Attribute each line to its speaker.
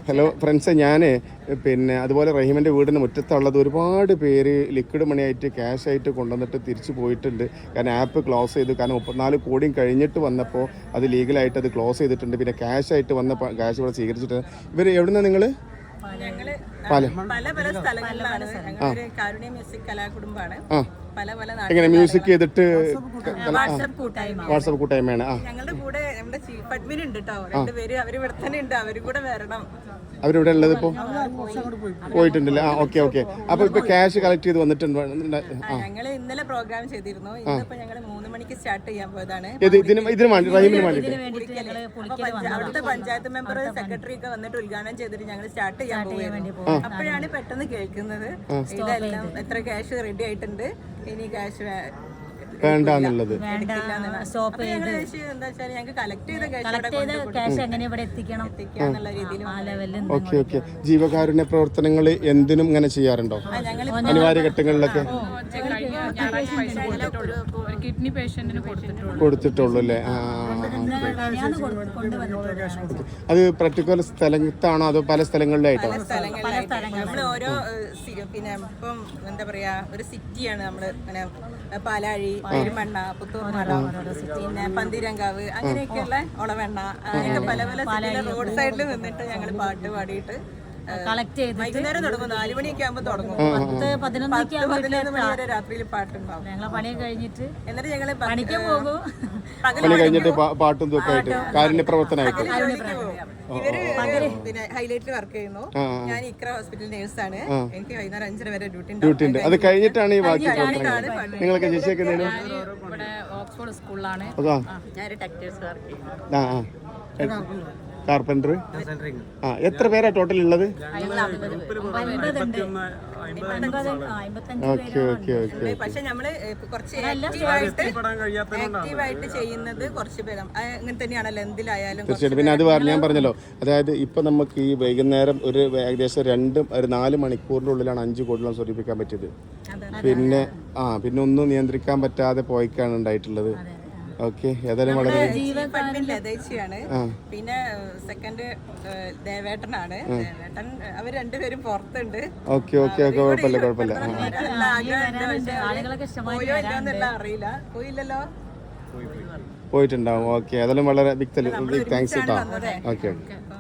Speaker 1: Hello friends, ഞാൻ പിന്നെ അതുപോലെ റഹീമിൻ്റെ വീടിന് മുറ്റത്തുള്ളത് ഒരുപാട് പേര് ലിക്വിഡ് മണിയായിട്ട് ക്യാഷായിട്ട് കൊണ്ടുവന്നിട്ട് തിരിച്ചു പോയിട്ടുണ്ട്. കാരണം ആപ്പ് ക്ലോസ് ചെയ്തു. കാരണം 34 കോടിയും കഴിഞ്ഞിട്ട് വന്നപ്പോൾ അത് ലീഗലായിട്ട് അത് ക്ലോസ് ചെയ്തിട്ടുണ്ട്. പിന്നെ ക്യാഷായിട്ട് വന്ന ക്യാഷ് ഇവിടെ സ്വീകരിച്ചിട്ട് ഇവർ എവിടുന്ന നിങ്ങൾ
Speaker 2: പല പല സ്ഥലങ്ങളിലാണ്. ഞങ്ങളൊരു കാരുണ്യ മ്യൂസിക് കലാകുടുംബാണ്. പല പല
Speaker 1: എങ്ങനെ മ്യൂസിക് ചെയ്തിട്ട്
Speaker 2: വാട്സപ്പ്
Speaker 1: കൂട്ടായ്മയാണ്.
Speaker 2: ഞങ്ങളുടെ കൂടെ നമ്മുടെ ചീഫ് അഡ്മിൻ ഉണ്ട് കേട്ടോ, രണ്ടുപേര് അവര് ഇവിടെ തന്നെ ഉണ്ട്. അവര് കൂടെ വരണം.
Speaker 1: അവരിവിടെ ഉള്ളത് ഇപ്പോൾ പോയിട്ടുണ്ടല്ലേ? Okay okay. അപ്പോൾ ഇപ്പോൾ ക്യാഷ് കളക്ട് ചെയ്ത് വന്നിട്ടുണ്ട്.
Speaker 2: ഞങ്ങള് ഇന്നലെ പ്രോഗ്രാം ചെയ്തിരുന്നു. ഇന്നിപ്പോ ഞങ്ങള് 3 മണിക്ക് സ്റ്റാർട്ട് ചെയ്യാൻ പോയതാണ്.
Speaker 1: ഇതിന് വേണ്ടി റഹീമിന് വേണ്ടിയിട്ട്
Speaker 2: അവിടുത്തെ പഞ്ചായത്ത് മെമ്പർ സെക്രട്ടറി ഒക്കെ വന്നിട്ട് ഉദ്ഘാടനം ചെയ്തിട്ട് ഞങ്ങൾ സ്റ്റാർട്ട് ചെയ്യാൻ പോവുകയായിരുന്നു. അപ്പോഴാണ് പെട്ടെന്ന് കേൾക്കുന്നത് ഇതെല്ലാം എത്ര ക്യാഷ് റെഡി ആയിട്ടുണ്ട്, ഇനി ക്യാഷ്
Speaker 1: വേണ്ടെന്നുള്ളത്. Okay okay. ജീവകാരുണ്യ പ്രവർത്തനങ്ങൾ എന്തിനും ഇങ്ങനെ ചെയ്യാറുണ്ടോ? അനിവാര്യ ഘട്ടങ്ങളിലൊക്കെ
Speaker 3: കിഡ്നി പേഷ്യന്റിന്
Speaker 1: കൊടുത്തിട്ടുള്ളൂ അല്ലേ? അത് പർട്ടിക്കുലർ സ്ഥലത്താണോ അതോ പല സ്ഥലങ്ങളിലായിട്ടോ?
Speaker 2: ഓരോ പിന്നെ ഇപ്പം എന്താ പറയാ, ഒരു സിറ്റിയാണ് നമ്മള് ഇങ്ങനെ പാലാഴി, പെരുമണ്ണ, പുത്തൂർമല, പിന്നെ പന്തീരങ്കാവ്, അങ്ങനെയൊക്കെയുള്ള ഒളവെണ്ണ, അങ്ങനെയൊക്കെ പല പല റോഡ് സൈഡിൽ നിന്നിട്ട് ഞങ്ങൾ പാട്ട് പാടിയിട്ട്
Speaker 4: കളക്ട് ചെയ്ത്
Speaker 2: വൈകുന്നേരം തുടങ്ങും. 4 മണിയൊക്കെ ആകുമ്പോൾ തുടങ്ങും.
Speaker 4: 10-11
Speaker 2: മണി വരെ രാത്രിയിൽ പാട്ടുണ്ടാവും.
Speaker 4: ഞങ്ങളെ പണി കഴിഞ്ഞിട്ട്
Speaker 2: എന്നിട്ട് ഞങ്ങള്
Speaker 4: പണിക്ക് പോകും.
Speaker 1: പണി കഴിഞ്ഞിട്ട് പാട്ടും ഇതൊക്കെയായിട്ട് കാരുണ്യ പ്രവർത്തനമായിട്ട്
Speaker 2: ഇവര് പിന്നെ ഹൈലൈറ്റിൽ വർക്ക് ചെയ്യുന്നു. ഞാൻ ഇക്ര ഹോസ്പിറ്റൽ നേഴ്സാണ്. എനിക്ക് വൈകുന്നേരം 5:30 വരെ ഡ്യൂട്ടി
Speaker 1: ഉണ്ട്. അത് കഴിഞ്ഞിട്ടാണ് ഈ ബാക്കി പ്രവർത്തനങ്ങൾ. നിങ്ങളൊക്കെ ചേച്ചിയൊക്കെ
Speaker 3: ഓക്സ്ഫോർഡ് സ്കൂളിലാണ്.
Speaker 2: ഞാൻ ടെക്സ്റ്റൈൽസ് വർക്ക് ചെയ്യുന്നു.
Speaker 1: കാർപ്പൻറ്റർ. എത്ര പേരാ ടോട്ടൽ ഉള്ളത്? Okay okay okay.
Speaker 2: പക്ഷെ നമ്മള് കുറച്ച് ആക്റ്റീവായിട്ട് ചെയ്യുന്നത് കുറച്ച് പേര് അങ്ങനെ തന്നെയാണല്ലോ എന്തിലായാലും.
Speaker 1: തീർച്ചയായിട്ടും. പിന്നെ അത് ഞാൻ പറഞ്ഞല്ലോ, അതായത് ഇപ്പൊ നമുക്ക് ഈ വൈകുന്നേരം ഒരു ഏകദേശം 4 മണിക്കൂറിനുള്ളിലാണ് 5 കോടിയോളം സ്വരൂപിക്കാൻ പറ്റിയത്. പിന്നെ ഒന്നും നിയന്ത്രിക്കാൻ പറ്റാതെ പോയിക്കാണ് ഉണ്ടായിട്ടുള്ളത്. ഓക്കെ. ഏതായാലും വളരെ
Speaker 2: ലതേച്ചിയാണ്. പിന്നെ സെക്കൻഡ് ദേവേട്ടനാണ്. ദേവേട്ടൻ അവർ രണ്ടുപേരും പുറത്തുണ്ട്.
Speaker 1: Okay okay okay. കുഴപ്പമില്ല.
Speaker 2: പോയോ ഇല്ലെന്നുള്ള അറിയില്ല. പോയില്ലല്ലോ.
Speaker 1: പോയിട്ടുണ്ടാവും. ഓക്കെ. ഏതായാലും വളരെ ബിഗ് താങ്ക്സ് കേട്ടോ. Okay okay.